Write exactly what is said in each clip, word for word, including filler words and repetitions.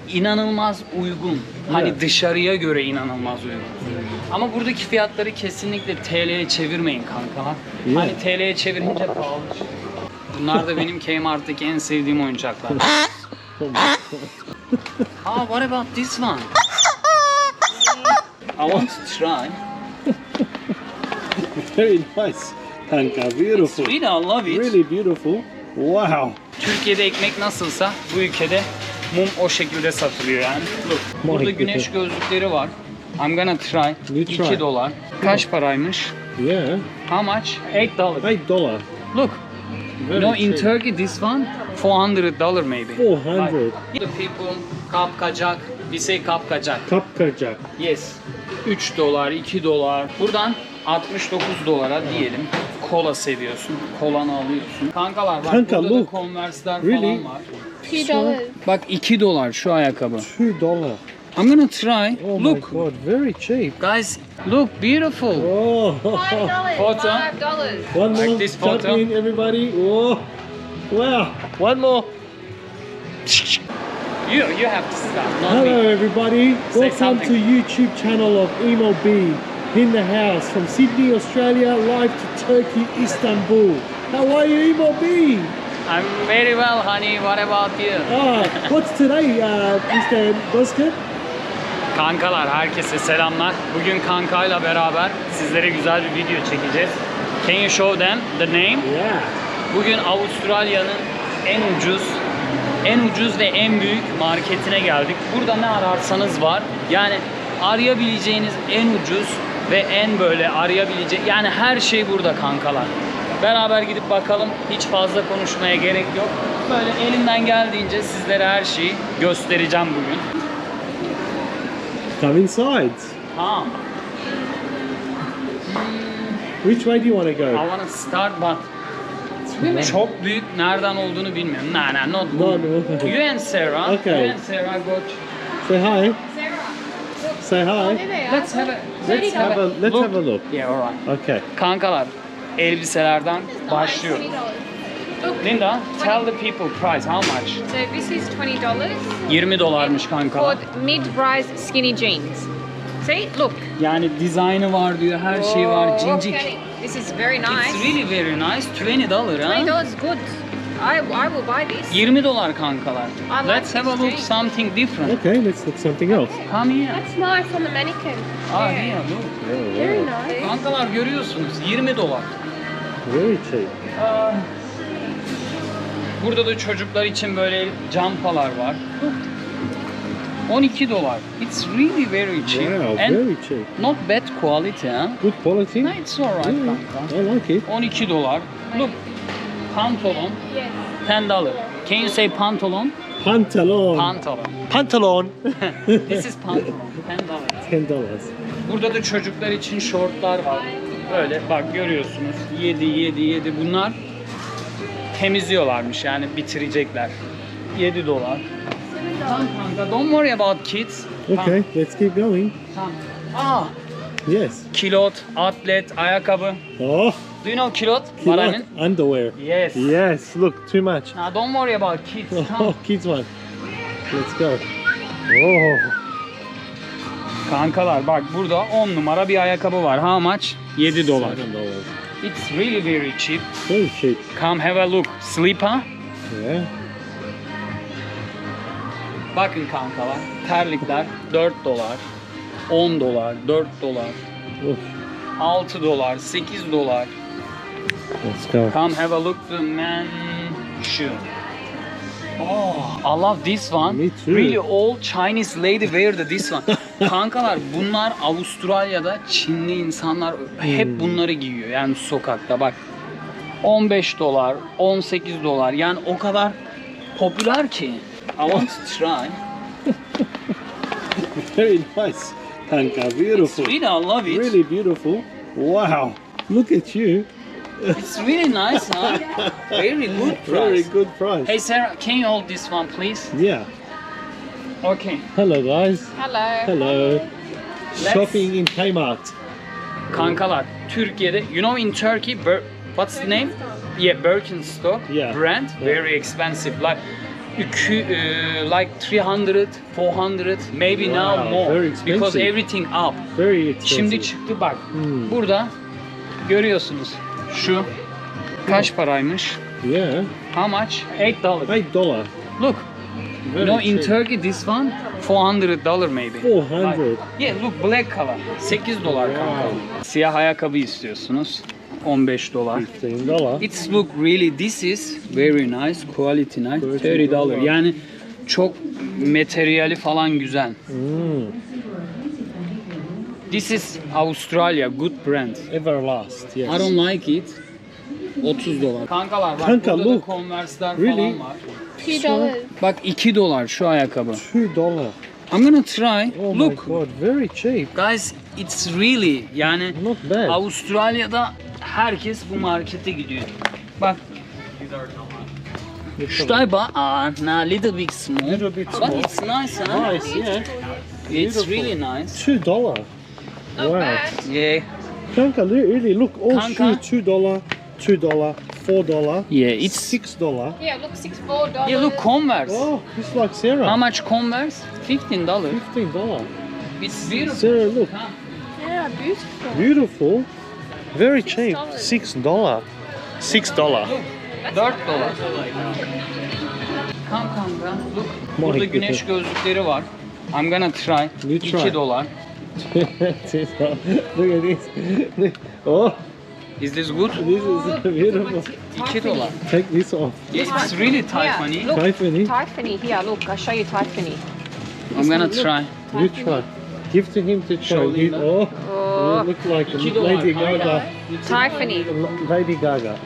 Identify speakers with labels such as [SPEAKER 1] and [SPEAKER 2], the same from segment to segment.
[SPEAKER 1] inanılmaz uygun. Hani
[SPEAKER 2] Evet.
[SPEAKER 1] dışarıya göre inanılmaz uygun. Ama buradaki fiyatları kesinlikle T L'ye çevirmeyin kankalar.
[SPEAKER 2] Yeah.
[SPEAKER 1] Hani T L'ye çevirince pahalı çıkıyor. Bunlar da benim Kmart'taki en sevdiğim oyuncaklar. Ah, what about this one? I want to try.
[SPEAKER 2] Very nice. Kanka, beautiful.
[SPEAKER 1] Really, I love it.
[SPEAKER 2] Really beautiful. Wow.
[SPEAKER 1] Türkiye'de ekmek nasılsa bu ülkede mum o şekilde satılıyor yani. Look, burada
[SPEAKER 2] My
[SPEAKER 1] güneş gözlükleri var. I'm gonna try.
[SPEAKER 2] You try.
[SPEAKER 1] iki dolar. Kaç paraymış?
[SPEAKER 2] Yeah.
[SPEAKER 1] How much? eight dollars.
[SPEAKER 2] Eight dollar.
[SPEAKER 1] Look.
[SPEAKER 2] Very
[SPEAKER 1] You know, in
[SPEAKER 2] cheap.
[SPEAKER 1] Turkey this one four hundred dollar maybe.
[SPEAKER 2] four hundred.
[SPEAKER 1] Like, the people kapkacak. We say kapkacak.
[SPEAKER 2] Kapkacak.
[SPEAKER 1] Yes. üç dolar, iki dolar. Buradan altmış dokuz dolara diyelim. Kola seviyorsun. Kolanı alıyorsun. Kankalar bak
[SPEAKER 2] Kanka,
[SPEAKER 1] burada
[SPEAKER 2] look.
[SPEAKER 1] da Converse'ler
[SPEAKER 2] Really?
[SPEAKER 1] falan var.
[SPEAKER 3] Two dollars.
[SPEAKER 1] Bak iki dolar şu ayakkabı.
[SPEAKER 2] Two dollar.
[SPEAKER 1] I'm gonna try.
[SPEAKER 2] Oh
[SPEAKER 1] Look.
[SPEAKER 2] my god, very cheap.
[SPEAKER 1] Guys, look beautiful.
[SPEAKER 2] Oh.
[SPEAKER 3] Five dollars.
[SPEAKER 1] Photo.
[SPEAKER 3] Five dollars.
[SPEAKER 2] One
[SPEAKER 1] Like
[SPEAKER 2] more.
[SPEAKER 1] this
[SPEAKER 2] Jump
[SPEAKER 1] photo.
[SPEAKER 2] in, everybody. Oh. Wow. One more.
[SPEAKER 1] You you have to stop. Not
[SPEAKER 2] Hello
[SPEAKER 1] me.
[SPEAKER 2] everybody.
[SPEAKER 1] Say
[SPEAKER 2] Welcome
[SPEAKER 1] something.
[SPEAKER 2] to YouTube channel of Emo B. In the house from Sydney, Australia, live to Turkey, Istanbul. How are you, Emo B?
[SPEAKER 1] I'm very well, honey. What about you?
[SPEAKER 2] Ah, what's today, uh, mister Boskin?
[SPEAKER 1] Kankalar herkese selamlar. Bugün kankayla beraber sizlere güzel bir video çekeceğiz. Can you show them the name?
[SPEAKER 2] Yeah.
[SPEAKER 1] Bugün Avustralya'nın en ucuz, en ucuz ve en büyük marketine geldik. Burada ne ararsanız var. Yani arayabileceğiniz en ucuz ve en böyle arayabileceği, yani her şey burada kankalar. Beraber gidip bakalım. Hiç fazla konuşmaya gerek yok. Böyle elimden geldiğince sizlere her şeyi göstereceğim bugün.
[SPEAKER 2] Come inside.
[SPEAKER 1] Ha,
[SPEAKER 2] Which way do you want to
[SPEAKER 1] I
[SPEAKER 2] go?
[SPEAKER 1] wanna start but çok büyük, nereden olduğunu bilmiyorum. Nah, nah, not
[SPEAKER 2] No,
[SPEAKER 1] good.
[SPEAKER 2] no.
[SPEAKER 1] You and Sarah.
[SPEAKER 2] Okay.
[SPEAKER 1] You and Sarah go.
[SPEAKER 2] Say hi.
[SPEAKER 3] Sarah.
[SPEAKER 2] Say
[SPEAKER 3] Oh,
[SPEAKER 2] hi.
[SPEAKER 3] there they are.
[SPEAKER 1] Let's have a
[SPEAKER 2] Let's have a let's have a look.
[SPEAKER 1] Yeah, alright.
[SPEAKER 2] Okay.
[SPEAKER 1] Kankalar, elbiselerden başlıyor.
[SPEAKER 3] twenty dollars. Look.
[SPEAKER 1] Linda, tell the people price how much?
[SPEAKER 3] So this is twenty dollars
[SPEAKER 1] yirmi dolarmış kankalar.
[SPEAKER 3] for mid-rise skinny jeans. See, look.
[SPEAKER 1] Yani dizaynı var diyor, her şey var,
[SPEAKER 3] Oh,
[SPEAKER 1] cincik.
[SPEAKER 3] okay. This is very nice.
[SPEAKER 1] It's really very nice. twenty dolar
[SPEAKER 3] twenty
[SPEAKER 1] ha?
[SPEAKER 3] dollars good. I I will buy this.
[SPEAKER 1] yirmi dolar kankalar.
[SPEAKER 3] like
[SPEAKER 1] Let's have a
[SPEAKER 3] this
[SPEAKER 1] look
[SPEAKER 3] jean.
[SPEAKER 1] something different.
[SPEAKER 2] Okay, let's look something else.
[SPEAKER 1] Come here.
[SPEAKER 3] That's nice on the mannequin.
[SPEAKER 1] Ah,
[SPEAKER 3] Yeah.
[SPEAKER 1] here, look.
[SPEAKER 2] Oh,
[SPEAKER 3] Very
[SPEAKER 2] wow.
[SPEAKER 3] nice.
[SPEAKER 1] Kankalar görüyorsunuz, yirmi dolar.
[SPEAKER 2] Very cheap.
[SPEAKER 1] Aa, Burada da çocuklar için böyle campalar var. on iki dolar. It's really very cheap.
[SPEAKER 2] Wow,
[SPEAKER 1] And
[SPEAKER 2] very cheap.
[SPEAKER 1] not bad quality, huh?
[SPEAKER 2] Good quality.
[SPEAKER 1] No, it's alright
[SPEAKER 2] Yeah,
[SPEAKER 1] kanka.
[SPEAKER 2] I like it.
[SPEAKER 1] on iki dolar. Look, pantolon,
[SPEAKER 3] Yes.
[SPEAKER 1] ten dolar. Can you say pantolon?
[SPEAKER 2] Pantalon.
[SPEAKER 1] Pantolon.
[SPEAKER 2] Pantalon.
[SPEAKER 1] This is pantolon, ten dolar.
[SPEAKER 2] Ten dollars.
[SPEAKER 1] Burada da çocuklar için şortlar var. Böyle bak görüyorsunuz. yedi, yedi, yedi. Bunlar temizliyorlarmış yani bitirecekler. yedi dolar. Tamam kanka, don't worry about kids.
[SPEAKER 2] Okay, let's keep going.
[SPEAKER 1] Tamam. Aa,
[SPEAKER 2] Yes.
[SPEAKER 1] kilot, atlet, ayakkabı.
[SPEAKER 2] Oh,
[SPEAKER 1] Do you know kilot? What I
[SPEAKER 2] kilot
[SPEAKER 1] mean?
[SPEAKER 2] underwear.
[SPEAKER 1] Yes.
[SPEAKER 2] Yes. Look, too much.
[SPEAKER 1] Now don't worry about kids. Tamam.
[SPEAKER 2] Oh, kids one. Let's go. Oh,
[SPEAKER 1] Kankalar bak burada on numara bir ayakkabı var. How much? yedi dolar.
[SPEAKER 2] seven dollars.
[SPEAKER 1] It's really very cheap.
[SPEAKER 2] Very cheap.
[SPEAKER 1] Come have a look. Slipper.
[SPEAKER 2] Yeah.
[SPEAKER 1] Bakın kankalar. Terlikler dört dolar. on dolar. dört dolar.
[SPEAKER 2] Oof.
[SPEAKER 1] altı dolar. sekiz dolar.
[SPEAKER 2] Let's go.
[SPEAKER 1] Come have a look the man shoe. Oh, I love this one.
[SPEAKER 2] Me too.
[SPEAKER 1] Really all Chinese lady wear the this one. Kankalar bunlar Avustralya'da Çinli insanlar hep
[SPEAKER 2] Hmm.
[SPEAKER 1] bunları giyiyor. Yani sokakta bak. on beş dolar, on sekiz dolar. Yani o kadar popüler ki. I want to try.
[SPEAKER 2] Very nice. Kanka,
[SPEAKER 1] It's
[SPEAKER 2] beautiful.
[SPEAKER 1] really, I love it.
[SPEAKER 2] Really beautiful. Wow. Look at you.
[SPEAKER 1] It's really nice, huh? Very good
[SPEAKER 2] Very
[SPEAKER 1] price.
[SPEAKER 2] good price.
[SPEAKER 1] Hey Sarah, can you hold this one, please?
[SPEAKER 2] Yeah.
[SPEAKER 1] Okay.
[SPEAKER 2] Hello, guys.
[SPEAKER 3] Hello.
[SPEAKER 2] Hello.
[SPEAKER 1] Let's-
[SPEAKER 2] Shopping in Kmart.
[SPEAKER 1] Kankalar, Türkiye'de, you know in Turkey, Bir- what's the name? Yeah, Birkenstock
[SPEAKER 2] Yeah.
[SPEAKER 1] brand,
[SPEAKER 2] Yeah.
[SPEAKER 1] very expensive. Like iki, uh, like three hundred, four hundred, maybe
[SPEAKER 2] Wow,
[SPEAKER 1] now more
[SPEAKER 2] very expensive.
[SPEAKER 1] because everything up.
[SPEAKER 2] Very expensive.
[SPEAKER 1] Şimdi çıktı bak.
[SPEAKER 2] Hmm.
[SPEAKER 1] Burada görüyorsunuz. Şu kaç paraymış?
[SPEAKER 2] Yeah.
[SPEAKER 1] How much? eight dollars.
[SPEAKER 2] Eight dollar.
[SPEAKER 1] Look.
[SPEAKER 2] Very
[SPEAKER 1] You know in
[SPEAKER 2] cheap.
[SPEAKER 1] Turkey this one four hundred dollar maybe.
[SPEAKER 2] Four hundred.
[SPEAKER 1] Like, yeah, look black color. sekiz dolar kanka.
[SPEAKER 2] Wow.
[SPEAKER 1] Siyah ayakkabı istiyorsunuz. on beş dolar.
[SPEAKER 2] Fifteen dollar.
[SPEAKER 1] It's look really this is very nice, quality nice. thirty dollar. Yani çok materyali falan güzel.
[SPEAKER 2] Mm.
[SPEAKER 1] This is Australia, good brand.
[SPEAKER 2] Everlast. Yes.
[SPEAKER 1] I don't like it. otuz dolar. Kankalar bak
[SPEAKER 2] Kanka,
[SPEAKER 1] burada
[SPEAKER 2] look.
[SPEAKER 1] da Converse'ler
[SPEAKER 2] Really?
[SPEAKER 1] falan var.
[SPEAKER 3] Two dollars.
[SPEAKER 1] Bak iki dolar şu ayakkabı.
[SPEAKER 2] Two dollar.
[SPEAKER 1] I'm gonna try.
[SPEAKER 2] Oh
[SPEAKER 1] Look.
[SPEAKER 2] my god, very cheap.
[SPEAKER 1] Guys, it's really yani
[SPEAKER 2] Not bad.
[SPEAKER 1] Avustralya'da herkes bu markete gidiyor. Bbak. Should I buy? Ah, nah, little bit small.
[SPEAKER 2] Little bit
[SPEAKER 1] But
[SPEAKER 2] small.
[SPEAKER 1] it's nice, huh?
[SPEAKER 2] Nice, yeah.
[SPEAKER 1] It's
[SPEAKER 2] Beautiful.
[SPEAKER 1] really nice.
[SPEAKER 2] Two dollar.
[SPEAKER 3] Not
[SPEAKER 2] Wow.
[SPEAKER 3] bad.
[SPEAKER 1] Yeah.
[SPEAKER 2] Kanka, li- really look, all
[SPEAKER 1] Kanka.
[SPEAKER 2] shoes two dollar, two dollar, four dollar,
[SPEAKER 1] Yeah, it's
[SPEAKER 2] six dollar.
[SPEAKER 3] Yeah, look, six four dollars.
[SPEAKER 1] yeah. Look, Converse.
[SPEAKER 2] Oh, it's like Sarah.
[SPEAKER 1] How much Converse? Fifteen dollars.
[SPEAKER 2] Fifteen dollar.
[SPEAKER 1] It's beautiful.
[SPEAKER 2] Sarah, look,
[SPEAKER 1] Huh?
[SPEAKER 3] Yeah, beautiful.
[SPEAKER 2] beautiful. Very
[SPEAKER 3] Six
[SPEAKER 2] cheap.
[SPEAKER 3] dollars.
[SPEAKER 2] Six dollar. Six dollar.
[SPEAKER 1] Look, dört dolar. Come, come, come. Look,
[SPEAKER 2] My
[SPEAKER 1] burada
[SPEAKER 2] goodness.
[SPEAKER 1] güneş gözlükleri var. I'm gonna try.
[SPEAKER 2] You try.
[SPEAKER 1] iki dolar.
[SPEAKER 2] Look at this. Oh,
[SPEAKER 1] Is this good?
[SPEAKER 2] this is beautiful.
[SPEAKER 1] iki dolar.
[SPEAKER 2] Take this off.
[SPEAKER 1] Yes, it's really Tiffany.
[SPEAKER 3] Yeah, look,
[SPEAKER 2] Tiffany,
[SPEAKER 3] Tiffany. Here, look, I'll show you Tiffany.
[SPEAKER 1] I'm gonna try.
[SPEAKER 2] you try. Give to him to try.
[SPEAKER 1] Show
[SPEAKER 2] He-
[SPEAKER 1] Linda.
[SPEAKER 2] oh,
[SPEAKER 3] Oh.
[SPEAKER 2] you look like
[SPEAKER 1] iki dolar.
[SPEAKER 2] Lady Gaga.
[SPEAKER 1] kanka.
[SPEAKER 3] Tiffany.
[SPEAKER 2] Lady Gaga.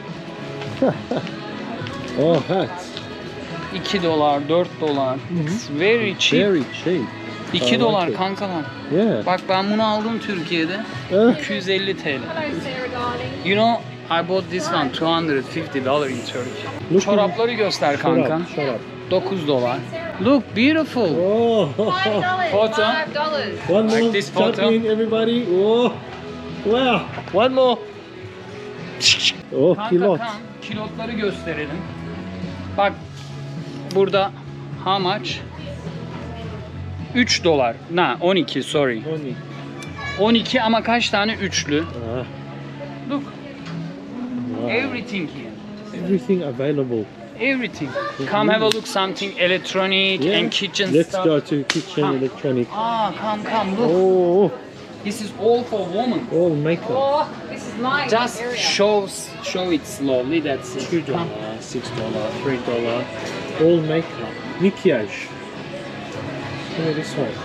[SPEAKER 2] Oh, hats.
[SPEAKER 1] iki dolar, dört dolar. It's very cheap.
[SPEAKER 2] Very cheap. I
[SPEAKER 1] iki
[SPEAKER 2] like
[SPEAKER 1] dolar
[SPEAKER 2] it.
[SPEAKER 1] kankalar.
[SPEAKER 2] Yeah.
[SPEAKER 1] Bak ben bunu aldım Türkiye'de.
[SPEAKER 2] Eh,
[SPEAKER 1] iki yüz elli T L.
[SPEAKER 3] Hello, Sarah, darling.
[SPEAKER 1] You know, I bought this one two hundred fifty dollars in Turkey.
[SPEAKER 2] Look
[SPEAKER 1] Çorapları göster
[SPEAKER 2] shut
[SPEAKER 1] kanka.
[SPEAKER 2] up, shut up.
[SPEAKER 1] dokuz dolar. Look beautiful.
[SPEAKER 2] Oh,
[SPEAKER 3] Five dollars.
[SPEAKER 1] Photo.
[SPEAKER 3] Five dollars.
[SPEAKER 2] one
[SPEAKER 1] Like
[SPEAKER 2] more.
[SPEAKER 1] this
[SPEAKER 2] Tap
[SPEAKER 1] photo.
[SPEAKER 2] in, everybody. Oh, wow. One more. Oh,
[SPEAKER 1] Kanka
[SPEAKER 2] kilot.
[SPEAKER 1] kan, kilotları gösterelim. Bak burada how much? üç dolar. Na on iki sorry.
[SPEAKER 2] Only.
[SPEAKER 1] on iki ama kaç tane üçlü?
[SPEAKER 2] Ah,
[SPEAKER 1] Look,
[SPEAKER 2] wow.
[SPEAKER 1] everything here.
[SPEAKER 2] Everything available.
[SPEAKER 1] Everything. Come have a look something electronic
[SPEAKER 2] Yeah.
[SPEAKER 1] and kitchen
[SPEAKER 2] Let's
[SPEAKER 1] stuff.
[SPEAKER 2] go to kitchen
[SPEAKER 1] Ah.
[SPEAKER 2] electronic.
[SPEAKER 1] Ah, come, come, look.
[SPEAKER 2] Oh,
[SPEAKER 1] This is all for women.
[SPEAKER 2] all makeup.
[SPEAKER 3] Oh, this is nice.
[SPEAKER 1] Just
[SPEAKER 3] area.
[SPEAKER 1] shows, show it slowly. That's it.
[SPEAKER 2] Two
[SPEAKER 1] Come.
[SPEAKER 2] dollar, six dollar, three dollar. All makeup. Maquillage. Look at this one.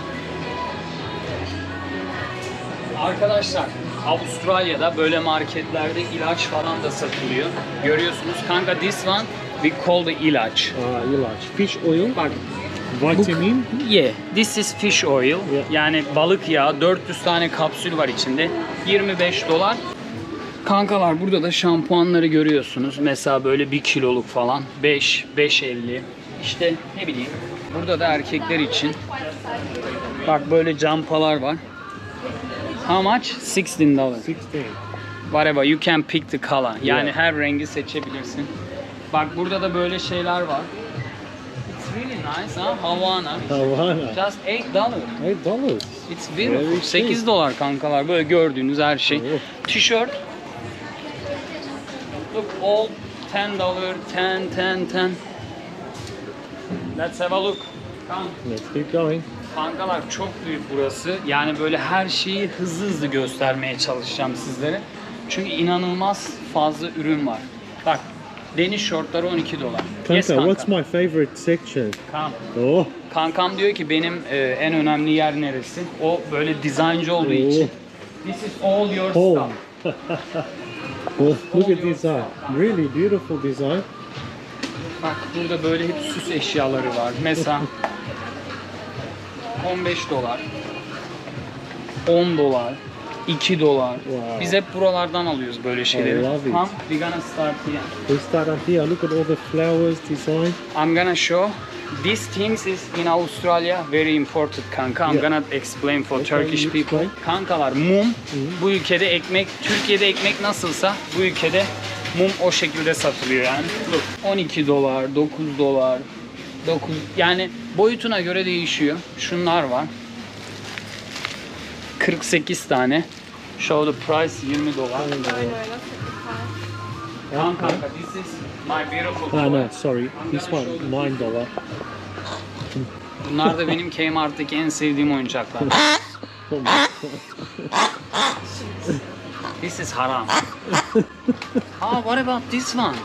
[SPEAKER 1] Arkadaşlar, Avustralya'da böyle marketlerde ilaç falan da satılıyor. Görüyorsunuz. Kanka this one we call the ilaç.
[SPEAKER 2] Ah, ilaç. Fish oil.
[SPEAKER 1] Bak,
[SPEAKER 2] Vitamin.
[SPEAKER 1] yeah, this is fish oil.
[SPEAKER 2] Yeah.
[SPEAKER 1] Yani balık yağı. dört yüz tane kapsül var içinde. yirmi beş dolar. Kankalar burada da şampuanları görüyorsunuz. Mesela böyle bir kiloluk falan. beş, beş elli. İşte ne bileyim. Burada da erkekler için. Bak böyle campalar var. How much? sixteen dollars.
[SPEAKER 2] Sixteen.
[SPEAKER 1] Whatever, you can pick the color. Yani
[SPEAKER 2] Yeah.
[SPEAKER 1] her rengi seçebilirsin. Bak burada da böyle şeyler var. It's really nice, ha? Havana.
[SPEAKER 2] Havana.
[SPEAKER 1] Just eight dollars.
[SPEAKER 2] Eight dollars.
[SPEAKER 1] It's beautiful.
[SPEAKER 2] Very
[SPEAKER 1] sekiz
[SPEAKER 2] cheap.
[SPEAKER 1] dolar kankalar. Böyle gördüğünüz her şey.
[SPEAKER 2] Oh.
[SPEAKER 1] Tişört. Look, all ten dollars, ten, ten, ten. Let's have a look. Come.
[SPEAKER 2] Let's keep going.
[SPEAKER 1] Kankalar çok büyük burası. Yani böyle her şeyi hızlı hızlı göstermeye çalışacağım sizlere. Çünkü inanılmaz fazla ürün var. Bak, deniz şortları on iki dolar.
[SPEAKER 2] Kanka,
[SPEAKER 1] Yes, kanka.
[SPEAKER 2] what's my favorite section?
[SPEAKER 1] Come.
[SPEAKER 2] Oh,
[SPEAKER 1] Kankam diyor ki benim e, en önemli yer neresi? O böyle dizayncı olduğu
[SPEAKER 2] Oh.
[SPEAKER 1] için. This is all your
[SPEAKER 2] home.
[SPEAKER 1] stuff.
[SPEAKER 2] Oh, look at design. Really beautiful design.
[SPEAKER 1] Bak burada böyle hep süs eşyaları var. Mesela on beş dolar, on dolar, iki dolar.
[SPEAKER 2] Wow.
[SPEAKER 1] Biz hep buralardan alıyoruz böyle şeyleri.
[SPEAKER 2] I love it.
[SPEAKER 1] Come, we're gonna start here.
[SPEAKER 2] We start up here. Look at all the flowers design.
[SPEAKER 1] I'm gonna show. These things is in Australia very important kanka. I'm
[SPEAKER 2] Yeah.
[SPEAKER 1] gonna explain for
[SPEAKER 2] Okay,
[SPEAKER 1] Turkish
[SPEAKER 2] you
[SPEAKER 1] people.
[SPEAKER 2] explain.
[SPEAKER 1] Kankalar mum. Bu ülkede ekmek, Türkiye'de ekmek nasılsa bu ülkede mum o şekilde satılıyor yani. Look, on iki dolar, dokuz dolar, dokuz yani boyutuna göre değişiyor. Şunlar var. kırk sekiz tane. Show the price yirmi dolar.
[SPEAKER 3] No, no, that's fifty-five.
[SPEAKER 1] Tamam kanka, this is my beautiful
[SPEAKER 2] Ah,
[SPEAKER 1] toy.
[SPEAKER 2] no, sorry. This one, nine dollar.
[SPEAKER 1] Bunlar da benim Kmart'taki en sevdiğim oyuncaklar.
[SPEAKER 2] Oh my god.
[SPEAKER 1] This is haram. Ah, what about this one?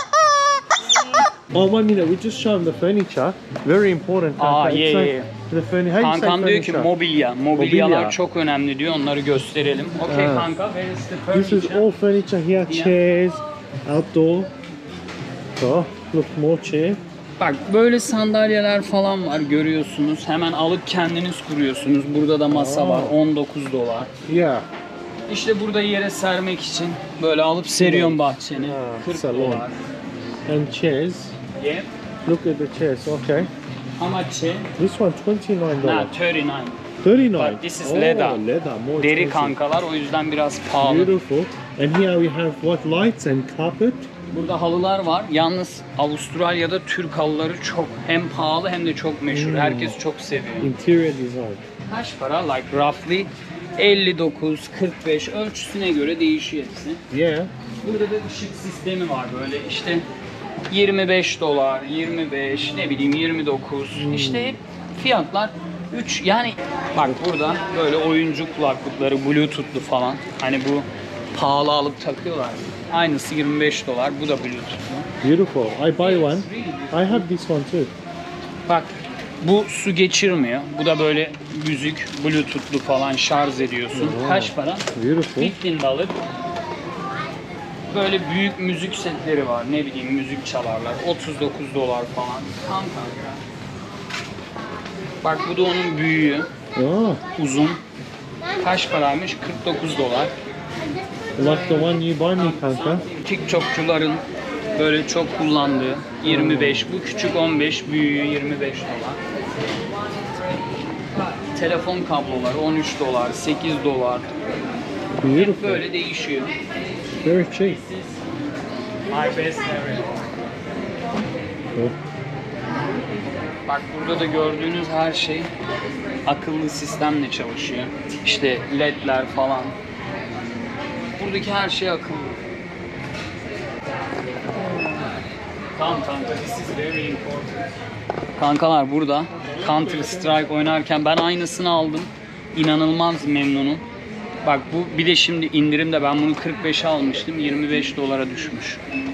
[SPEAKER 2] Oh, one minute. We just show them the furniture. Very important.
[SPEAKER 1] Ah,
[SPEAKER 2] Kanka.
[SPEAKER 1] yeah,
[SPEAKER 2] It's like
[SPEAKER 1] yeah.
[SPEAKER 2] The furniture. How do you say
[SPEAKER 1] Kankam diyor ki
[SPEAKER 2] furniture?
[SPEAKER 1] mobilya. Mobilyalar
[SPEAKER 2] Mobilya.
[SPEAKER 1] çok önemli diyor. Onları gösterelim. Okay
[SPEAKER 2] Ah.
[SPEAKER 1] kanka, where is the
[SPEAKER 2] This is
[SPEAKER 1] furniture?
[SPEAKER 2] all furniture here.
[SPEAKER 1] Yeah.
[SPEAKER 2] Chairs, outdoor. Oh, look, more chair.
[SPEAKER 1] Bak böyle sandalyeler falan var, görüyorsunuz. Hemen alıp kendiniz kuruyorsunuz. Burada da masa var,
[SPEAKER 2] Aa.
[SPEAKER 1] on dokuz dolar.
[SPEAKER 2] Yeah.
[SPEAKER 1] İşte burada yere sermek için böyle alıp seriyorsun bahçeni.
[SPEAKER 2] Ah,
[SPEAKER 1] kırk
[SPEAKER 2] salon.
[SPEAKER 1] dolar.
[SPEAKER 2] And chairs.
[SPEAKER 1] Yeah.
[SPEAKER 2] Look at the chairs. Okay.
[SPEAKER 1] How much? eh?
[SPEAKER 2] This one, twenty-nine
[SPEAKER 1] Nah,
[SPEAKER 2] dollars.
[SPEAKER 1] thirty nine.
[SPEAKER 2] Thirty-nine.
[SPEAKER 1] But this is
[SPEAKER 2] oh,
[SPEAKER 1] leather.
[SPEAKER 2] Leather. More
[SPEAKER 1] Deri
[SPEAKER 2] expensive.
[SPEAKER 1] kankalar, o yüzden biraz pahalı.
[SPEAKER 2] Beautiful. And here we have what, lights and carpet.
[SPEAKER 1] Burada halılar var. Yalnız Avustralya'da Türk halıları çok hem pahalı hem de çok meşhur.
[SPEAKER 2] Hmm.
[SPEAKER 1] Herkes çok seviyor.
[SPEAKER 2] Interior design.
[SPEAKER 1] Kaç para? Like roughly elli dokuz kırk beş ölçüsüne göre değişiyor hepsi.
[SPEAKER 2] Yeah.
[SPEAKER 1] Burada da ışık sistemi var böyle işte yirmi beş dolar, yirmi beş, ne bileyim yirmi dokuz. İşte hep fiyatlar üç yani bak burada böyle oyuncu kulaklıkları bluetooth'lu falan. Hani bu pahalı alıp takıyorlar. Aynısı yirmi beş dolar. Bu da bluetooth'lu.
[SPEAKER 2] Beautiful. I buy one. I have this one too.
[SPEAKER 1] Bak bu su geçirmiyor. Bu da böyle müzik bluetooth'lu falan şarj ediyorsun. Kaç para?
[SPEAKER 2] Beautiful.
[SPEAKER 1] on beş dolar. Böyle büyük müzik setleri var. Ne bileyim müzik çalarlar. otuz dokuz dolar falan. Tam kanka. Bak bu da onun büyüğü.
[SPEAKER 2] Oh,
[SPEAKER 1] Uzun. Kaç paraymış? kırk dokuz dolar.
[SPEAKER 2] like the one you buy me, kanka.
[SPEAKER 1] TikTokçuların böyle çok kullandığı yirmi beş. Bu küçük on beş, büyüğü yirmi beş dolar. Telefon kabloları on üç dolar, sekiz dolar. Hep
[SPEAKER 2] Beautiful.
[SPEAKER 1] böyle değişiyor.
[SPEAKER 2] Very cheap.
[SPEAKER 1] My best area.
[SPEAKER 2] Oh.
[SPEAKER 1] Bak burada da gördüğünüz her şey akıllı sistemle çalışıyor. İşte ledler falan. Buradaki her şey akıllı. Tamam kanka, this is very important. Kankalar burada Counter Strike oynarken ben aynısını aldım. İnanılmaz memnunum. Bak bu bir de şimdi indirimde ben bunu kırk beşe almıştım. yirmi beş dolara düşmüş.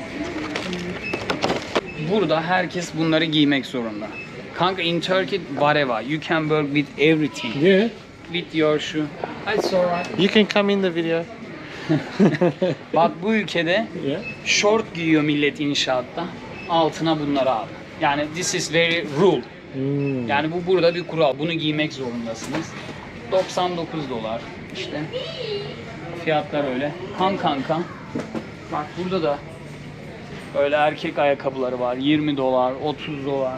[SPEAKER 1] Burada herkes bunları giymek zorunda. Kanka in Turkey whatever you can work with everything.
[SPEAKER 2] Yeah.
[SPEAKER 1] With your shoe. It's alright.
[SPEAKER 2] You can come in the video.
[SPEAKER 1] Bak bu ülkede
[SPEAKER 2] Yeah.
[SPEAKER 1] short giyiyor millet inşaatta. Altına bunları abi. Yani this is very rule.
[SPEAKER 2] Mm.
[SPEAKER 1] Yani bu burada bir kural. Bunu giymek zorundasınız. doksan dokuz dolar işte. Fiyatlar öyle. Han kanka. Bak burada da böyle erkek ayakkabıları var. yirmi dolar, otuz dolar.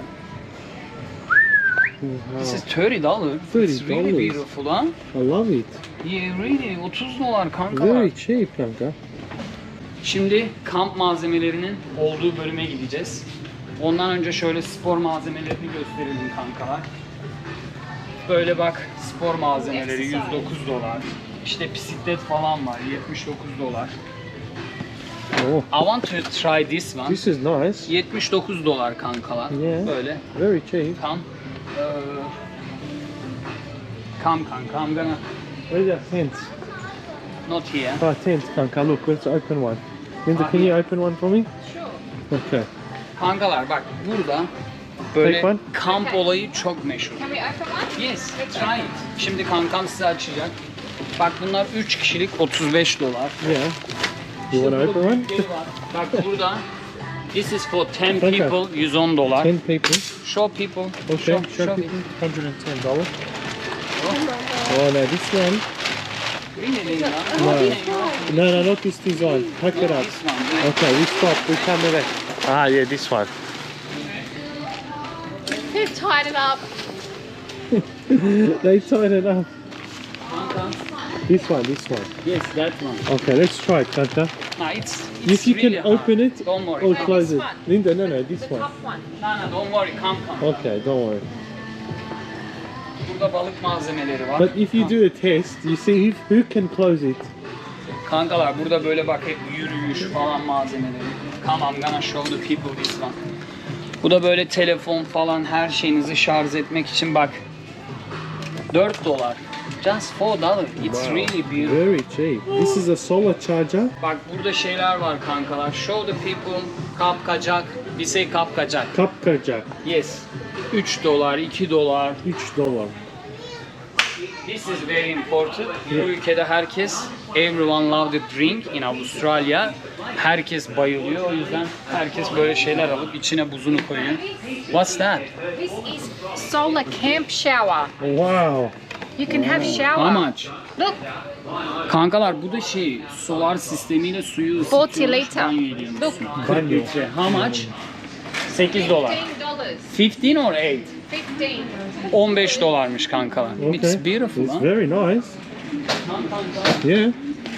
[SPEAKER 1] This is thirty dollars. It's really
[SPEAKER 2] thirty dollars.
[SPEAKER 1] beautiful ha.
[SPEAKER 2] I love it.
[SPEAKER 1] Yeah, really. otuz dolar kanka.
[SPEAKER 2] Very cheap, kanka.
[SPEAKER 1] Şimdi kamp malzemelerinin olduğu bölüme gideceğiz. Ondan önce şöyle spor malzemelerini gösterelim kankalar. Böyle bak spor malzemeleri yüz dokuz dolar. İşte bisiklet falan var yetmiş dokuz dolar.
[SPEAKER 2] Oh,
[SPEAKER 1] I want to try this one.
[SPEAKER 2] this is nice.
[SPEAKER 1] yetmiş dokuz dolar kankalar.
[SPEAKER 2] Yeah.
[SPEAKER 1] Böyle.
[SPEAKER 2] Very cheap.
[SPEAKER 1] Come. Ee, come kanka. I'm gonna
[SPEAKER 2] Where's your tent?
[SPEAKER 1] not here.
[SPEAKER 2] Oh, tent, kanka. Look, let's open one. Linda, can you open one for me?
[SPEAKER 3] Sure.
[SPEAKER 2] Okay.
[SPEAKER 1] Kankalar bak burada böyle
[SPEAKER 2] Take one.
[SPEAKER 1] kamp olayı çok meşhur.
[SPEAKER 3] Can we open one?
[SPEAKER 1] Yes, try it. Şimdi kankam size açacak. Bak bunlar üç kişilik otuz beş dolar.
[SPEAKER 2] Yeah. You want to
[SPEAKER 1] İşte
[SPEAKER 2] open
[SPEAKER 1] burada
[SPEAKER 2] one?
[SPEAKER 1] büyükleri var. Bak burada this is for ten
[SPEAKER 2] Kanka.
[SPEAKER 1] people yüz on dolar.
[SPEAKER 2] Ten people.
[SPEAKER 1] Show people.
[SPEAKER 2] Okay.
[SPEAKER 1] Show,
[SPEAKER 2] Show
[SPEAKER 1] show
[SPEAKER 2] people.
[SPEAKER 1] it.
[SPEAKER 2] one hundred ten dollars. Oh no, this one.
[SPEAKER 1] Really, Linda?
[SPEAKER 2] No. No, no, not this design. Pack it up.
[SPEAKER 1] This one.
[SPEAKER 2] Okay, we stop. We come with it. Ah, yeah, this one.
[SPEAKER 3] They've tied it up.
[SPEAKER 2] They tied it up.
[SPEAKER 1] Kanka
[SPEAKER 2] This one, this one.
[SPEAKER 1] Yes, that one.
[SPEAKER 2] Okay, let's try it, Kanta.
[SPEAKER 1] No, it's, it's
[SPEAKER 2] If you
[SPEAKER 1] really
[SPEAKER 2] can
[SPEAKER 1] hard.
[SPEAKER 2] open it
[SPEAKER 1] Don't worry.
[SPEAKER 2] or
[SPEAKER 1] No,
[SPEAKER 2] close
[SPEAKER 3] this
[SPEAKER 2] it.
[SPEAKER 3] one.
[SPEAKER 2] Linda, no, no, this
[SPEAKER 3] The
[SPEAKER 2] one.
[SPEAKER 3] top one.
[SPEAKER 1] no, don't worry. Come, come.
[SPEAKER 2] Okay, don't worry.
[SPEAKER 1] Burada balık malzemeleri var.
[SPEAKER 2] But if you do a test, you see who, who can close it.
[SPEAKER 1] Kankalar burada böyle bak hep yürüyüş falan malzemeleri. Come, I'm gonna show the people this one. Bu da böyle telefon falan her şeyinizi şarj etmek için bak. dört dolar. Just four dollars. It's
[SPEAKER 2] Wow,
[SPEAKER 1] really beautiful.
[SPEAKER 2] very cheap. This is a solar charger.
[SPEAKER 1] Bak burada şeyler var kankalar. Show the people. Kapkacak. We say kapkacak.
[SPEAKER 2] Kapkacak,
[SPEAKER 1] Yes. üç dolar, iki dolar.
[SPEAKER 2] üç dolar.
[SPEAKER 1] This is very important. Bu ülkede herkes, everyone love the drink in Avustralya. Herkes bayılıyor. O yüzden herkes böyle şeyler alıp içine buzunu koyuyor. What's that?
[SPEAKER 3] This is solar camp shower.
[SPEAKER 2] Wow.
[SPEAKER 3] You can have shower.
[SPEAKER 1] How much?
[SPEAKER 3] Look,
[SPEAKER 1] Kankalar bu da şey, solar sistemiyle suyu
[SPEAKER 3] forty
[SPEAKER 1] ısıtıyormuş,
[SPEAKER 3] liter.
[SPEAKER 1] banyo ediyormuş.
[SPEAKER 3] Look,
[SPEAKER 1] kırk litre. How much? sekiz dolar.
[SPEAKER 3] fifteen dollars.
[SPEAKER 1] fifteen or eight?
[SPEAKER 3] Fifteen.
[SPEAKER 1] on beş dolarmış kankalar.
[SPEAKER 2] Okay.
[SPEAKER 1] It's beautiful.
[SPEAKER 2] It's
[SPEAKER 1] Huh?
[SPEAKER 2] very nice. Yeah.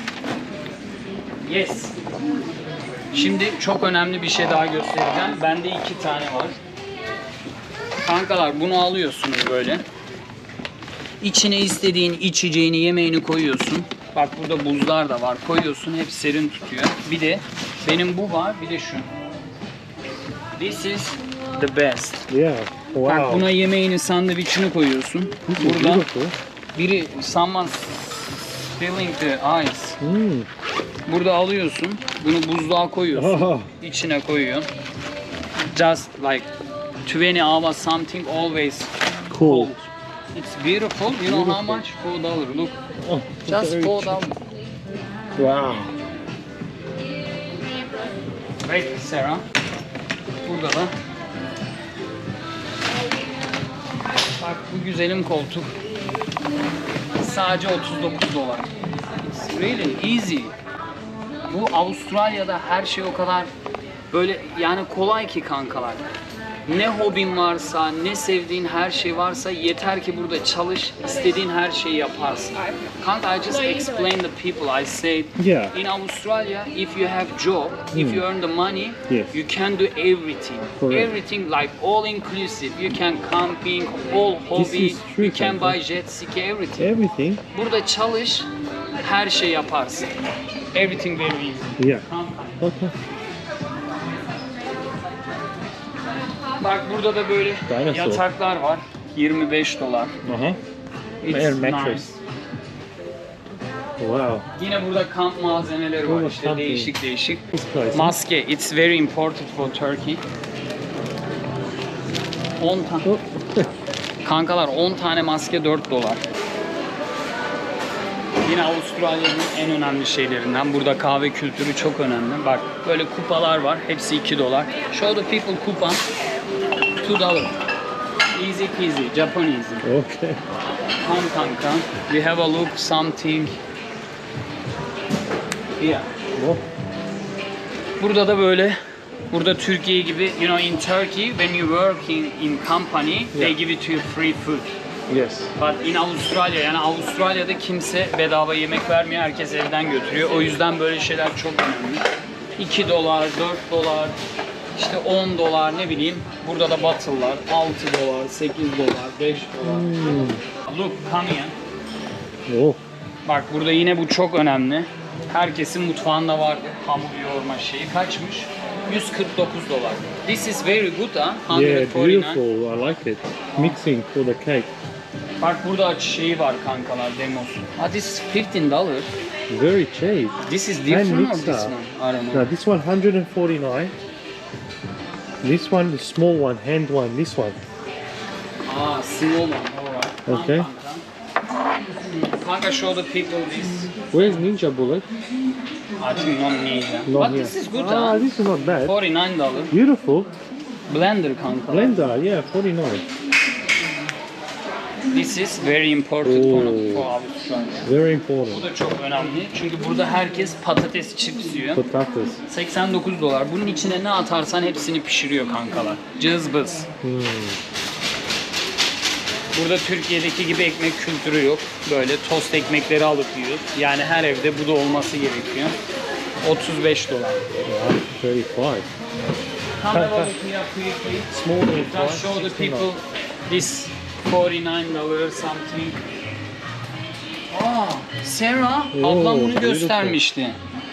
[SPEAKER 1] Yes. Şimdi çok önemli bir şey daha göstereceğim. Bende iki tane var. Kankalar bunu alıyorsunuz böyle. İçine istediğin içeceğini, yemeğini koyuyorsun. Bak burada buzlar da var. Koyuyorsun, hep serin tutuyor. Bir de benim bu var, bir de şu. This is the best.
[SPEAKER 2] Yeah.
[SPEAKER 1] Bak
[SPEAKER 2] Wow.
[SPEAKER 1] buna yemeğini, sandviçini koyuyorsun.
[SPEAKER 2] This is
[SPEAKER 1] Burada
[SPEAKER 2] beautiful.
[SPEAKER 1] biri someone spilling the ice.
[SPEAKER 2] Mm.
[SPEAKER 1] Burada alıyorsun, bunu buzluğa koyuyorsun,
[SPEAKER 2] Oh.
[SPEAKER 1] içine koyuyor. Just like twenty hours something always
[SPEAKER 2] Cool.
[SPEAKER 1] cold. It's beautiful. You know how much? Four dollars. Look,
[SPEAKER 2] Oh,
[SPEAKER 1] just
[SPEAKER 2] very
[SPEAKER 1] four
[SPEAKER 2] cheap.
[SPEAKER 1] dollars.
[SPEAKER 2] Wow.
[SPEAKER 1] Wait, Sarah. Burada da. Bak bu güzelim koltuk. Sadece otuz dokuz dolar. It's really easy. Bu Avustralya'da her şey o kadar böyle yani kolay ki kankalar. Ne hobin varsa, ne sevdiğin her şey varsa yeter ki burada çalış, istediğin her şeyi yaparsın. Kanka, I just explain the people. I say
[SPEAKER 2] Yeah.
[SPEAKER 1] in Australia, if you have job, if you earn the money,
[SPEAKER 2] Yes.
[SPEAKER 1] you can do everything.
[SPEAKER 2] Correct.
[SPEAKER 1] Everything like all inclusive. You can camping, all hobby,
[SPEAKER 2] is true,
[SPEAKER 1] you can
[SPEAKER 2] kanka.
[SPEAKER 1] buy jet ski, everything.
[SPEAKER 2] Everything.
[SPEAKER 1] Burada çalış, her şey yaparsın. Everything very easy.
[SPEAKER 2] Yeah.
[SPEAKER 1] Kanka.
[SPEAKER 2] Okay.
[SPEAKER 1] Bak burada da böyle
[SPEAKER 2] Dinosaur.
[SPEAKER 1] yataklar var. yirmi beş dolar.
[SPEAKER 2] Uh-huh.
[SPEAKER 1] It's
[SPEAKER 2] Air mattress.
[SPEAKER 1] nice.
[SPEAKER 2] Wow.
[SPEAKER 1] Yine burada kamp malzemeleri var
[SPEAKER 2] Oh,
[SPEAKER 1] işte
[SPEAKER 2] camping.
[SPEAKER 1] değişik değişik.
[SPEAKER 2] This place.
[SPEAKER 1] Maske, it's very important for Turkey. on tane.
[SPEAKER 2] Oh.
[SPEAKER 1] Kankalar on tane maske dört dolar. Yine Avustralya'nın en önemli şeylerinden. Burada kahve kültürü çok önemli. Bak böyle kupalar var. Hepsi iki dolar. Show the people kupa. two dolar. Easy peasy. Japanese.
[SPEAKER 2] Okay.
[SPEAKER 1] Come kanka. We have a look something. Yeah.
[SPEAKER 2] Oh.
[SPEAKER 1] Burada da böyle, burada Türkiye gibi, you know, in Turkey when you work in, in company, they
[SPEAKER 2] Yeah.
[SPEAKER 1] give it to you free food.
[SPEAKER 2] Yes.
[SPEAKER 1] But in Avustralya, yani Avustralya'da kimse bedava yemek vermiyor, herkes evden götürüyor. O yüzden böyle şeyler çok önemli. iki dolar, dört dolar, işte on dolar, ne bileyim. Burada da battle'lar altı dolar, sekiz dolar, beş dolar. Look, come here.
[SPEAKER 2] Oh.
[SPEAKER 1] Bak burada yine bu çok önemli. Herkesin mutfağında vardı hamur yoğurma şeyi. Kaçmış? yüz kırk dokuz dolar. This is very good ha.
[SPEAKER 2] Yeah,
[SPEAKER 1] yüz kırk dokuz.
[SPEAKER 2] beautiful. I like it. Mixing for the cake.
[SPEAKER 1] Bak burada şeyi var kankalar, demosu. Ah, this is fifteen dollars.
[SPEAKER 2] Very cheap.
[SPEAKER 1] This is different or
[SPEAKER 2] mixer.
[SPEAKER 1] this one? I don't know.
[SPEAKER 2] No, this one one hundred forty-nine. This one, the small one, hand one. This one.
[SPEAKER 1] Ah, small one. Alright. Tamam
[SPEAKER 2] Okay.
[SPEAKER 1] Kanka. Kanka, show the people this.
[SPEAKER 2] Where's Ninja Bullet?
[SPEAKER 1] I think not need.
[SPEAKER 2] Not
[SPEAKER 1] But
[SPEAKER 2] here.
[SPEAKER 1] this is good
[SPEAKER 2] Ah,
[SPEAKER 1] ha.
[SPEAKER 2] this is not bad.
[SPEAKER 1] forty-nine dollars.
[SPEAKER 2] Beautiful.
[SPEAKER 1] Blender kanka.
[SPEAKER 2] Blender, yeah, forty-nine.
[SPEAKER 1] This is very important for,
[SPEAKER 2] Oh.
[SPEAKER 1] for Avustralya.
[SPEAKER 2] Very
[SPEAKER 1] Bu
[SPEAKER 2] important.
[SPEAKER 1] da çok önemli. Çünkü burada herkes patates chips yiyor.
[SPEAKER 2] Potatoes.
[SPEAKER 1] seksen dokuz dolar. Bunun içine ne atarsan hepsini pişiriyor kankalar. Cızbız.
[SPEAKER 2] Hmm.
[SPEAKER 1] Burada Türkiye'deki gibi ekmek kültürü yok. Böyle tost ekmekleri alıp yiyoruz. Yani her evde bu da olması gerekiyor. otuz beş dolar.
[SPEAKER 2] Yeah, thirty-five.
[SPEAKER 1] Come have a look here quickly.
[SPEAKER 2] Small little
[SPEAKER 1] Just
[SPEAKER 2] fries,
[SPEAKER 1] show the
[SPEAKER 2] sixteen
[SPEAKER 1] people this forty-nine dollars something. Aa, Sarah,
[SPEAKER 2] Oo,
[SPEAKER 1] ablam bunu
[SPEAKER 2] beautiful.
[SPEAKER 1] göstermişti.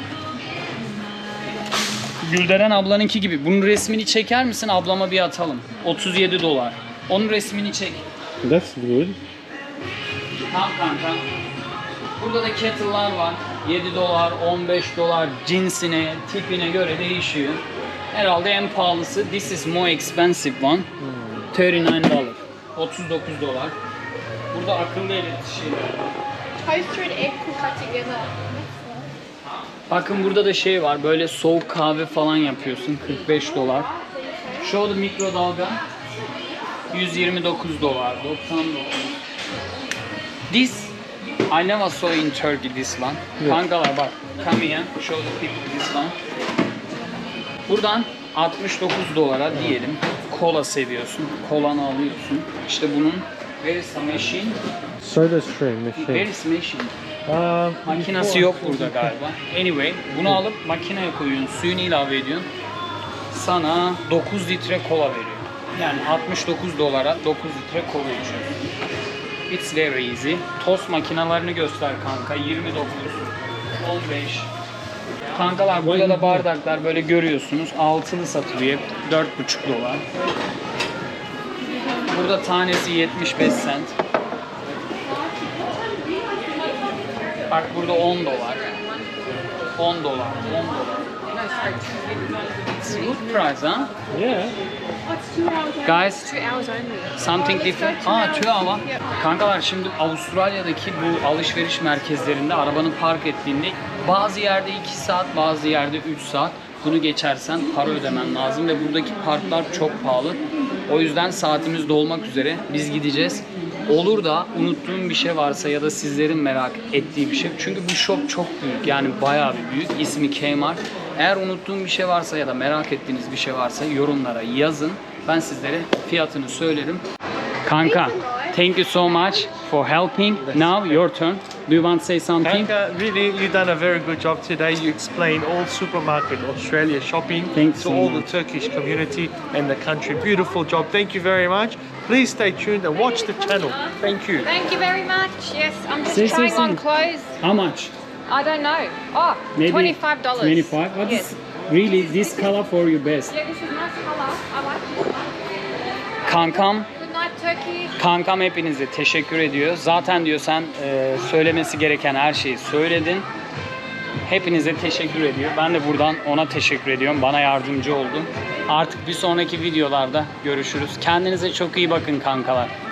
[SPEAKER 1] Gülderen ablanınki gibi. Bunun resmini çeker misin? Ablama bir atalım. otuz yedi dolar. Onun resmini çek.
[SPEAKER 2] That's good.
[SPEAKER 1] Tamam kanka. Burada da kettle'lar var. yedi dolar, on beş dolar cinsine, tipine göre değişiyor. Herhalde en pahalısı. This is more expensive one. otuz dokuz dolar. otuz dokuz dolar. Burada akıllı elektrik şeyler var.
[SPEAKER 3] Toaster and egg cooker together.
[SPEAKER 1] Bakın burada da şey var. Böyle soğuk kahve falan yapıyorsun. kırk beş dolar. Show the mikrodalga. yüz yirmi dokuz dolar. doksan dokuz. This I never saw in Turkey this one.
[SPEAKER 2] Evet.
[SPEAKER 1] Kankalar bak. Come here. Show the people this one. Buradan altmış dokuz dolara diyelim. Kola seviyorsun. Kolanı alıyorsun. İşte bunun where is the machine?
[SPEAKER 2] Soda stream machine.
[SPEAKER 1] Where is machine?
[SPEAKER 2] Um,
[SPEAKER 1] Makinası yok burada galiba. Anyway, bunu alıp makineye koyuyorsun, suyunu ilave ediyorsun. Sana dokuz litre kola veriyor. Yani altmış dokuz dolara dokuz litre kola içiyorsun. It's very easy. Tost makinalarını göster kanka. yirmi dokuz, on beş. Kankalar burada da bardaklar böyle görüyorsunuz. Altılı satılıyor. dört buçuk dolar. Burada tanesi yetmiş beş cent. Bak burada on dolar. on dolar, on dolar. It's a good price, huh?
[SPEAKER 2] Yeah.
[SPEAKER 1] Guys,
[SPEAKER 3] Two hours only.
[SPEAKER 1] something different. Aa, two hour.
[SPEAKER 3] Yep.
[SPEAKER 1] Kankalar şimdi Avustralya'daki bu alışveriş merkezlerinde arabanı park ettiğinde bazı yerde iki saat, bazı yerde üç saat. Bunu geçersen para ödemen lazım ve buradaki parklar çok pahalı. O yüzden saatimiz dolmak üzere. Biz gideceğiz. Olur da unuttuğum bir şey varsa ya da sizlerin merak ettiği bir şey. Çünkü bu shop çok büyük. Yani bayağı bir büyük. İsmi Kmart. Eğer unuttuğum bir şey varsa ya da merak ettiğiniz bir şey varsa yorumlara yazın. Ben sizlere fiyatını söylerim. Kanka, thank you so much for helping. Now your turn. Do you want to say something?
[SPEAKER 4] Kanka, really, you've done a very good job today. You explained all supermarket Australia shopping
[SPEAKER 1] Thanks
[SPEAKER 4] to
[SPEAKER 1] so
[SPEAKER 4] all
[SPEAKER 1] much.
[SPEAKER 4] the Turkish community and the country. Beautiful job. Thank you very much. Please stay tuned and watch the channel. Thank you.
[SPEAKER 3] Thank you very much. Yes, I'm just
[SPEAKER 1] Say, say,
[SPEAKER 3] trying
[SPEAKER 1] say.
[SPEAKER 3] on clothes.
[SPEAKER 1] How much?
[SPEAKER 3] I don't know. Oh,
[SPEAKER 1] Maybe
[SPEAKER 3] twenty-five dollars.
[SPEAKER 1] twenty-five. What
[SPEAKER 3] Yes.
[SPEAKER 1] is really this color for you best?
[SPEAKER 3] Yeah, this is nice colour. I like this one.
[SPEAKER 1] Kankam,
[SPEAKER 3] Good night, Turkey.
[SPEAKER 1] kankam hepinize teşekkür ediyor. Zaten diyor sen e, söylemesi gereken her şeyi söyledin. Hepinize teşekkür ediyor. Ben de buradan ona teşekkür ediyorum. Bana yardımcı oldun. Artık bir sonraki videolarda görüşürüz. Kendinize çok iyi bakın kankalar.